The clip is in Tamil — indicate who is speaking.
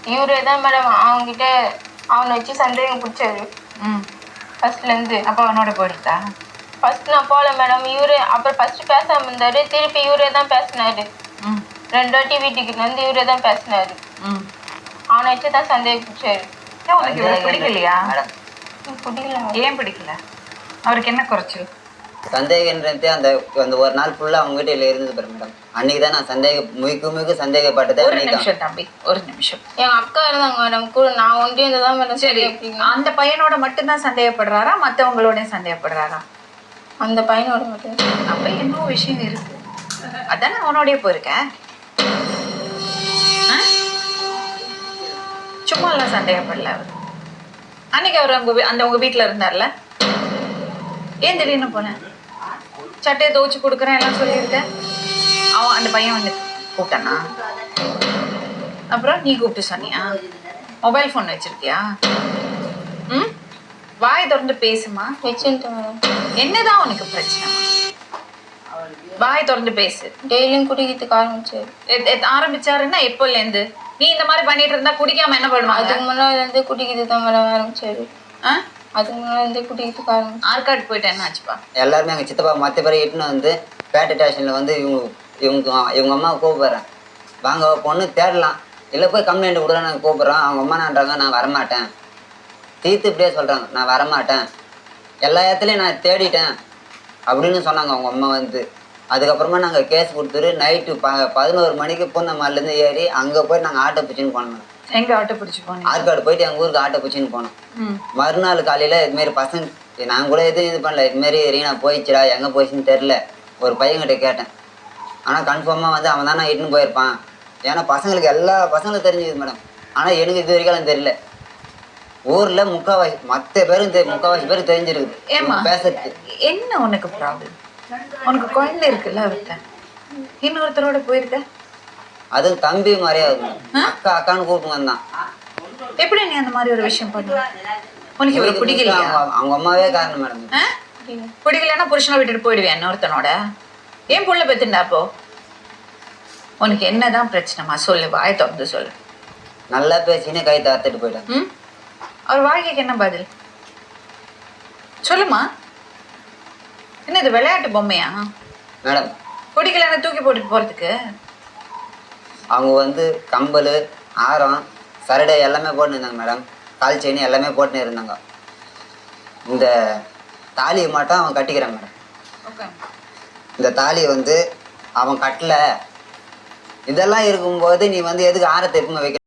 Speaker 1: இவரே தான் மேடம் அவங்ககிட்ட அவனை வச்சு சந்தேகம் பிடிச்சாரு. ஃபர்ஸ்ட்லேருந்து.
Speaker 2: அப்போ அவனோட போயிருந்தா?
Speaker 1: ஃபர்ஸ்ட் நான் போகல மேடம். இவரே அப்புறம் ஃபர்ஸ்ட் பேசாமல் இருந்தாரு. திருப்பி இவரே தான் பேசினாரு. 2 வாட்டி வீட்டுக்கு வந்து இவரே தான் பேசினாரு. அவனை வச்சு தான் சந்தேகம் பிடிச்சாரு.
Speaker 2: உனக்கு இவரை பிடிக்கலையா?
Speaker 1: பிடிக்கல.
Speaker 2: ஏன் பிடிக்கல? அவருக்கு என்ன குறைச்சல்?
Speaker 3: சந்தேகன்றது அந்த அந்த ஒரு நாள் ஃபுல்லாக அவங்க வீட்டில் இருந்தது பாரு மேடம். அன்னைக்கு தான் நான் முழுக்க சந்தேகப்பட்டது.
Speaker 2: ஒரு நிமிஷம் தம்பி, ஒரு நிமிஷம்.
Speaker 1: என் அக்கா இருந்தாங்க மேடம் கூட. நான் ஒன்றே இருந்ததான் மேடம்.
Speaker 2: சரி, அந்த பையனோட மட்டும்தான் சந்தேகப்படுறாரா, மற்றவங்களோடய சந்தேகப்படுறாரா?
Speaker 1: அந்த பையனோட மட்டும்.
Speaker 2: அப்போ இன்னும் விஷயம் இருக்கு. அதானே அவனோடய போயிருக்கேன். சும்மா எல்லாம் சந்தேகப்படல அவர். அன்னைக்கு அவர் உங்க வீட்டில் இருந்தார்ல, ஏன் திடீர்னு போனேன்? சட்டையை துவச்சி கொடுக்குறேன் எல்லாம் சொல்லியிருக்கேன். அவன் அந்த பையன் வந்து கூப்பிட்டானா? அப்புறம் நீ கூப்பிட்டு சொன்னியா? மொபைல் ஃபோன் வச்சிருக்கியா? வாய் திறந்து பேசுமா.
Speaker 1: வச்சுட்டேன் மேடம்.
Speaker 2: என்னதான் உனக்கு பிரச்சனை? வாய் திறந்து பேசு.
Speaker 1: டெய்லியும் குடிக்கிறதுக்கு ஆரம்பிச்சாரு.
Speaker 2: ஆரம்பிச்சாருன்னா எப்போலேருந்து? நீ இந்த மாதிரி பண்ணிட்டு இருந்தா குடிக்காம என்ன பண்ணுவாங்க?
Speaker 1: அதுக்கு முன்னாடி இருந்து குடிக்கிறது தான் மேடம் ஆரம்பிச்சாரு. அதுக்கு முன்னாடி இருந்து குடிக்கிறதுக்கு ஆரம்பிச்சு.
Speaker 2: ஆற்காடு போயிட்டு என்ன ஆச்சுப்பா?
Speaker 3: எல்லாருமே எங்கள் சித்தப்பா மற்ற பேரை இட்டுன்னு வந்து பேட்டை ஸ்டேஷனில் வந்து இவங்க அம்மாவை கூப்பிட்றேன். வாங்க பொண்ணு தேடலாம், இல்லை போய் கம்ப்ளைண்ட் கொடுக்க நாங்கள் கூப்பிட்றோம். அவங்க அம்மானான்றாங்க நான் வரமாட்டேன். தீர்த்து இப்படியே சொல்கிறாங்க நான் வரமாட்டேன், எல்லா இடத்துலையும் நான் தேடிட்டேன் அப்படின்னு சொன்னாங்க அவங்க அம்மா வந்து. அதுக்கப்புறமா நாங்கள் கேஸ் கொடுத்துட்டு நைட்டு 11 மணிக்கு பூந்தமல்லிலேருந்து ஏறி அங்கே போய் நாங்கள் ஆட்டோ பிடிச்சின்னு போனோம்.
Speaker 2: எங்கே ஆட்டோ பிடிச்சி போனோம்?
Speaker 3: ஆற்காடு போயிட்டு எங்கள் ஊருக்கு ஆட்டோ பிடிச்சின்னு போனோம். மறுநாள் காலையில் இதுமாரி பசங்க நான் கூட எதுவும் இது பண்ணல. இதுமாரி ரீனா போயிடுச்சுடா, எங்கே போயிடுச்சுன்னு தெரில. ஒரு பையன்கிட்ட கேட்டேன். ஆனால் கன்ஃபார்மாக வந்து அவன் தான் நான் இட்டுன்னு போயிருப்பான். ஏன்னா பசங்களுக்கு எல்லா பசங்களும் தெரிஞ்சுது மேடம். ஆனால் எனக்கு இது வரைக்கும் தெரியல. ஊரில் முக்கால்வாசி மற்ற பேரும் முக்கால்வாசி பேருக்கு தெரிஞ்சிருக்குது பேசுறது.
Speaker 2: என்ன உனக்கு ப்ராப்ளம்? உனக்கு குழந்தை இருக்குல்ல, அவர்கிட்ட இன்னொருத்தரோட போயிருக்க.
Speaker 3: அது தம்பி மாதிரியா இருக்கும். அக்கா அக்கான்னு கூப்பிட்டு வந்தான்.
Speaker 2: எப்படி நீ அந்த மாதிரி ஒரு விஷயம் பண்ண? உனக்கு இவரை பிடிக்கலையா?
Speaker 3: அவங்க அம்மாவே காரணம் மேடம்.
Speaker 2: பிடிக்கலன்னா புருஷனை விட்டுட்டு போயிடுவேன் இன்னொருத்தனோட. ஏன் புள்ள பெத்துண்டா? அப்போ உனக்கு என்னதான் பிரச்சனைமா சொல்லு, வாய் திறந்து சொல்லு.
Speaker 3: நல்லா பேசினே கை தாத்துட்டு போயிட்டேன்.
Speaker 2: அவர் வாழ்க்கைக்கு என்ன பதில் சொல்லுமா? என்ன இது விளையாட்டு பொம்மையா
Speaker 3: மேடம்?
Speaker 2: பிடிக்கலன்னா தூக்கி போட்டுட்டு போறதுக்கு?
Speaker 3: அவங்க வந்து கம்பல், ஆரம், சரடை எல்லாமே போட்டுன்னு இருந்தாங்க மேடம். கால் செயின் எல்லாமே போட்டுன்னு இருந்தாங்க. இந்த தாலியை மட்டும் அவன் கட்டிக்கிறான் மேடம். இந்த தாலியை வந்து அவன் கட்டலை. இதெல்லாம் இருக்கும்போது நீ வந்து எதுக்கு ஆரத்தை எப்பவுமே வைக்க?